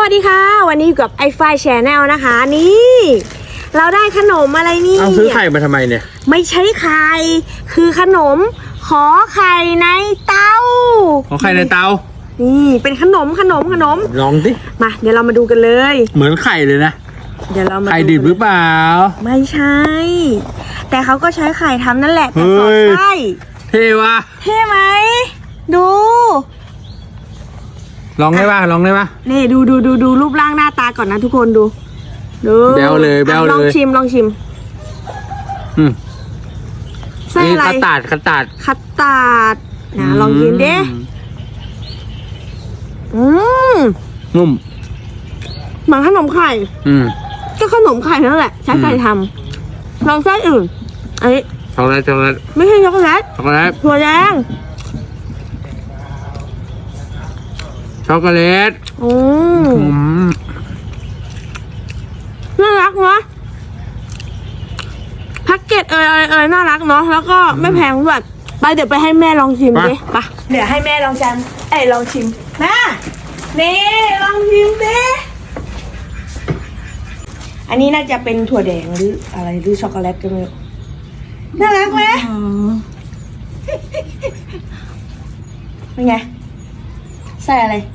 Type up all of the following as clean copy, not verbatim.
วัสดีค่ะวันนี้อยู่กับไอไฟแชนแนลนะคะนี่เราได้ขนมอะไรนี่เอาซื้อไข่มาทำไมเนี่ยไม่ใช่ไข่คือขนมขอไข่ในเตาขอไข่ในเตานี่เป็นขนมลองดิมาเดี๋ยวเรามาดูกันเลยเหมือนไข่เลยนะเดี๋ยวเรามาไข่ดิบหรือเปล่าไม่ใช่แต่เขาก็ใช้ไข่ทำนั่นแหละแต่สอดไส้เท่ว่ะเท่ไหมดูลองได้ป่ะนี่ดูรูปร่างหน้าตาก่อนนะทุกคนดูแบวเลยลองชิมไส้อะไรคัตตาร์ดนะลองกินดินุ่มเหมือนขนมไข่ก็ขนมไข่นั่นแหละใช้ไข่ทำลองไส้อื่นอันนี้ช็อกโกแลตไม่ใช่ช็อกโกแลตถั่วแดงช็อกโกแลตน่ารักเนาะแพ็กเกจอะไรน่ารักเนาะแล้วก็ไม่แพงด้วยไปเดี๋ยวไปให้แม่ลองชิมดิไปเดี๋ยวให้แม่ลองชิมแม่นี่ลองชิมดิอันนี้น่าจะเป็นถั่วแดงหรืออะไรหรือช็อกโกแลตก็ไม่รู้น่ารักไหมเป็นไงใส่อะไร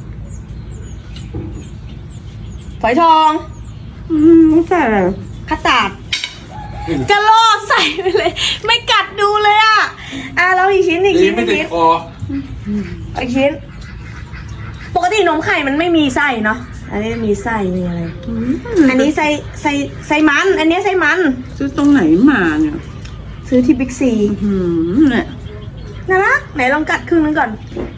ฝอยทองใส่อะไรคัตตาร์ดกระโลดใส่ไปเลยไม่กัดดูเลยอ่ะเราอีกชิ้นอีกชิ้นปกตินมไข่มันไม่มีไส้เนาะอันนี้มีไส้มีอะไรอันนี้ไส้มันอันนี้ไส้มันซื้อตรงไหนมาเนี่ยซื้อที่บิ๊กซีเนี่ยน่ารักไหนลองกัดครึ่งนึงก่อน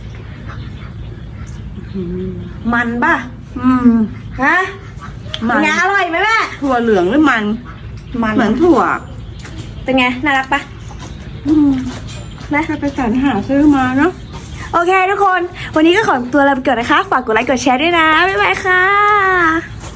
มันป่ะฮะมันไงอร่อยไหมแม่ถั่วเหลืองหรือมันเหมือนถั่วเป็นไงน่ารักปะนะไปสรรหาซื้อมาเนาะโอเคทุกคนวันนี้ก็ขอตัวลาไปก่อนนะคะฝากกดไลค์กดแชร์ด้วยนะบ๊ายบายค่ะ